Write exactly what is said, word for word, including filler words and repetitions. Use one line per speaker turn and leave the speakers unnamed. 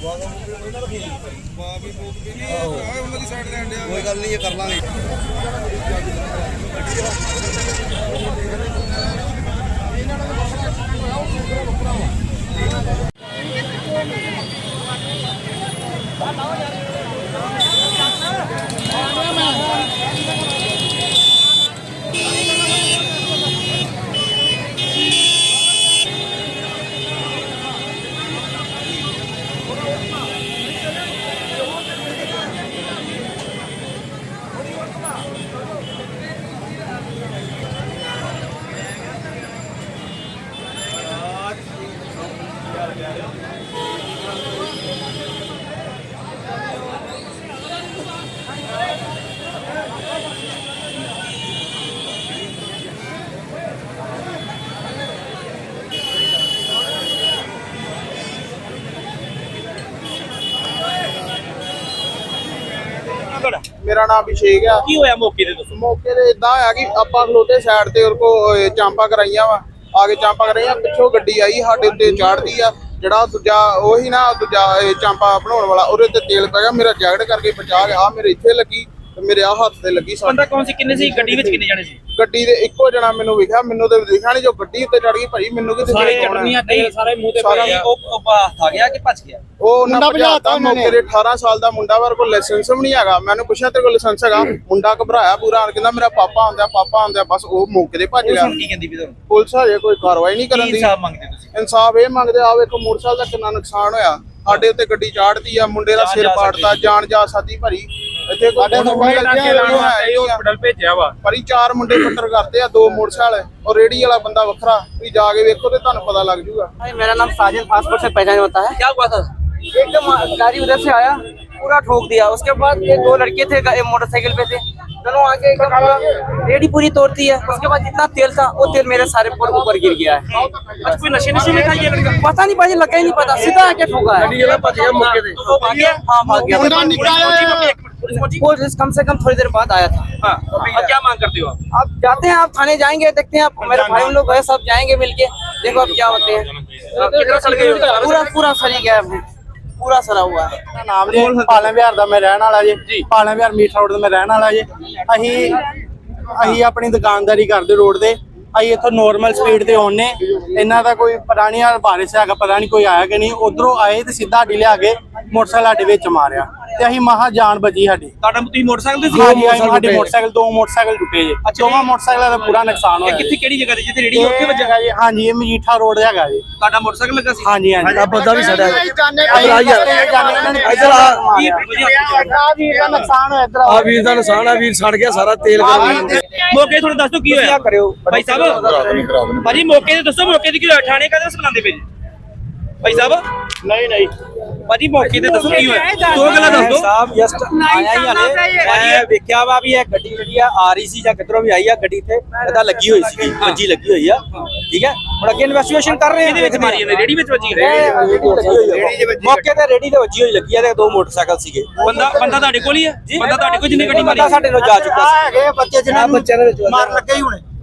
कोई गल नहीं कर लांगे।
मेरा नाम अभिषेक है।
की होया मौके ते दसो।
मौके ते इदां होया कि आपां खलोते साइड ते और को चांपा कराइयां वा आगे चांपा कराइयां पिछों गड्डी आई साडे उत्ते चढ़दी आ ਜਿਹੜਾ ਦੂਜਾ ਉਹੀ ਨਾ ਦੂਜਾ ਚਾਂਪਾ ਬਣਾਉਣ ਵਾਲਾ ਉਹਦੇ ਤੇ ਤੇਲ ਪੈ ਗਿਆ ਮੇਰਾ ਜੈਕਟ ਕਰਕੇ ਬਚਾ ਗਿਆ ਆ ਮੇਰੇ ਇੱਥੇ ਲੱਗੀ ਤੇ ਮੇਰੇ ਆ ਹੱਥ ਤੇ ਲੱਗੀ।
ਬੰਦਾ ਕੌਣ ਸੀ ਕਿੰਨੇ ਸੀ ਗੱਡੀ ਵਿੱਚ ਕਿੰਨੇ ਜਾਣੇ ਸੀ?
ਗੱਡੀ ਦੇ ਇੱਕੋ ਜਣਾ ਮੈਨੂੰ ਵਿਖਿਆ ਮੈਨੂੰ ਤੇ ਦਿਖਿਆ ਨਹੀਂ ਜੋ ਗੱਡੀ ਉੱਤੇ ਚੜ ਗਈ ਭਾਈ ਮੈਨੂੰ ਕਿਤੇ
ਸਾਰੇ ਚਟਨੀਆਂ ਤੇਲ ਸਾਰੇ ਮੂੰਹ ਤੇ ਪਏ ਉਹ ਹੱਥ ਆ ਗਿਆ ਕਿ ਭੱਜ ਗਿਆ?
ਉਹ ਉਹਨਾਂ ਭਜਾਤਾ ਮੌਕੇ ਤੇ ਅਠਾਰਾਂ ਸਾਲ ਦਾ ਮੁੰਡਾ ਵਰ ਕੋਲ ਲਾਇਸੈਂਸ ਵੀ ਨਹੀਂ ਹੈਗਾ। ਮੈਨੂੰ ਪੁੱਛਿਆ ਤੇਰੇ ਕੋਲ ਲਾਇਸੈਂਸ ਹੈਗਾ? ਮੁੰਡਾ ਘਬਰਾਇਆ ਪੂਰਾ ਕਹਿੰਦਾ ਮੇਰਾ ਪਾਪਾ ਆਉਂਦਾ ਪਾਪਾ ਆਉਂਦਾ ਬਸ ਉਹ ਮੌਕੇ ਤੇ ਭੱਜ ਗਿਆ।
ਕੀ ਕਹਿੰਦੀ ਵੀ ਤੁਹਾਨੂੰ?
ਪੁਲਿਸ ਹਜੇ ਕੋਈ ਕਾਰਵਾਈ ਨਹੀਂ ਕਰਨ ਦੀ।
ਇਨਸਾਫ ਮੰਗਦੇ ਤੁਸੀਂ?
ਇਨਸਾਫ ਇਹ ਮੰਗਦੇ ਆ ਵੇਖੋ ਮੋਟਰਸਾਈਕਲ ਦਾ ਕਿੰਨਾ ਨੁਕਸਾਨ ਹੋਇਆ ਸਾਡੇ ਉੱਤੇ ਗੱਡੀ ਚਾੜਦੀ ਆ ਮੁੰਡੇ ਦਾ ਸਿਰ ਪਾੜਤਾ ਜਾਨ ਜਾ ਸਾਦੀ ਭਰੀ ਇੱਥੇ ਕੋਈ
ਹਸਪੀਟਲ ਭੇਜਿਆ ਵਾ
ਭਰੀ ਚਾਰ ਮੁੰਡੇ ਫੱਟਰ ਕਰਦੇ ਆ ਦੋ ਮੋਟਰਸਾਈਕਲ और रेडी वाला बंदा वखरा भी जाके देखो तो ਤੁਹਾਨੂੰ पता लग जाऊगा।
मेरा नाम साजिद पासपोर्ट से पहचान होता है।
क्या हुआ था?
एकदम गाड़ी उधर से आया पूरा ठोक दिया। उसके बाद ये दो लड़के थे मोटरसाइकिल पे थे दोनों आके एकदम रेडी पूरी तोड़ती है। उसके बाद जितना तेल था वो तेल मेरे सारे पर ऊपर गिर गया है।
अच्छा कोई नशे नशे में था ये लड़का?
पता नहीं भाई लगा ही नहीं पता सीधा आके ठोका है।
वो भाग गया?
हाँ भाग गया। पुलिस कम से कम थोड़ी देर बाद आया था।
हाँ, अब क्या मांग करते हो आप?
अब जाते हैं आप थाने जाएंगे देखते हैं आप मेरे भाई लोग है सब जाएंगे मिलके देखो अब क्या होते हैं।
कितना सड़ गए?
पूरा पूरा सड़ी गया है पूरा सड़ा हुआ है।
नाम जी पालन विहार दा मैं रहने वाला जी पालन विहार मीठ रोड ते मैं रहने वाला जी। अही अही अपनी दुकानदारी करदे रोड ते अही इत्थों नॉर्मल स्पीड ते आउने इन्हां दा कोई पता नहीं बारिश हैगा पता नहीं कोई आया कि नहीं उधरों आए ते सीधा साडी लिया के मोटरसाइकिल साडे विच मारिया ते अही महा जान बची साडी।
ਤੁਹਾਡਾ ਤੁਸੀਂ ਮੋਟਰਸਾਈਕਲ ਤੇ ਸੀ?
हाँ जी साडे मोटरसाइकिल दो मोटरसाइकिल टुटे जी दोवां मोटरसाइकिल दा पूरा नुकसान होया।
ਕਿੱਥੇ ਕਿਹੜੀ ਜਗ੍ਹਾ ਤੇ ਜਿੱਥੇ ਰੇੜੀ ਉੱਥੇ ਵੱਜਾ?
जी हाँ जी मजीठा रोड हैगा जी।
ਤੁਹਾਡਾ ਮੋਟਰਸਾਈਕਲ ਲੱਗਾ ਸੀ?
हाँ जी हाँ जी
ਆ ਬੰਦਾ ਵੀ ਸੜਿਆ
नुकसान होया इधर
ਆ ਵੀਰ ਦਾ ਨੁਕਸਾਨ ਆ ਵੀਰ ਸੜ ਗਿਆ ਸਾਰਾ ਤੇਲ
ਮੌਕੇ ਥੋੜਾ ਦੱਸ ਦਿਓ ਕੀ ਹੋਇਆ ਭਾਈ ਸਾਹਿਬ। ਭਾਜੀ ਮੌਕੇ ਤੇ ਦੱਸੋ ਮੌਕੇ ਤੇ ਕੀ ਹੋਇਆ? ਥਾਣੇ ਕਾਹਦੇ ਵਾਸਤੇ ਬੁਲਾਉਂਦੇ ਪਏ ਜੀ ਭਾਈ ਸਾਹਿਬ?
नहीं नहीं
ਭਾਜੀ ਮੌਕੇ ਤੇ ਦੱਸੋ ਕੀ ਹੋਇਆ? ਦੋ ਗੱਲਾਂ ਦੱਸ ਦਿਓ।
ਸਾਹਿਬ ਜਸਟ ਆਇਆ ਹੀ ਹਲੇ ਮੈਂ ਵੇਖਿਆ ਵਾ ਵੀ ਇਹ ਗੱਡੀ ਜਿਹੜੀ ਆ ਆ ਰਹੀ ਸੀ ਜਾਂ ਕਿਧਰੋਂ ਵੀ ਆਈ ਆ ਗੱਡੀ ਤੇ ਇਹਦਾ ਲੱਗੀ ਹੋਈ ਸੀ ਵੱਜੀ ਲੱਗੀ ਹੋਈ ਆ ਠੀਕ ਹੈ। ਹੁਣ ਅੱਗੇ ਇਨਵੈਸਟੀਗੇਸ਼ਨ ਕਰ ਰਹੇ ਆ।
ਇਹਦੇ ਵਿੱਚ ਮਾਰੀ ਜਾਂਦੇ ਰੇੜੀ ਵਿੱਚ ਵੱਜੀ ਹੈ?
ਮੌਕੇ ਤੇ ਰੇੜੀ ਤੇ ਵੱਜੀ ਹੋਈ ਲੱਗੀ ਆ ਤੇ ਦੋ ਮੋਟਰਸਾਈਕਲ ਸੀਗੇ।
ਬੰਦਾ ਬੰਦਾ ਤੁਹਾਡੇ ਕੋਲ ਹੀ ਹੈ? ਬੰਦਾ ਤੁਹਾਡੇ ਕੋਲ ਜਿਹਨੇ ਗੱਡੀ ਮਾਰੀ?
ਸਾਡੇ ਨਾਲ ਜਾ ਚੁੱਕਾ ਸੀ।
ਹੈਗੇ ਬੱਚੇ ਜਿਹਨਾਂ ਨੂੰ ਮਾਰ ਲੱਗੇ ਹੀ ਹੁਣੇ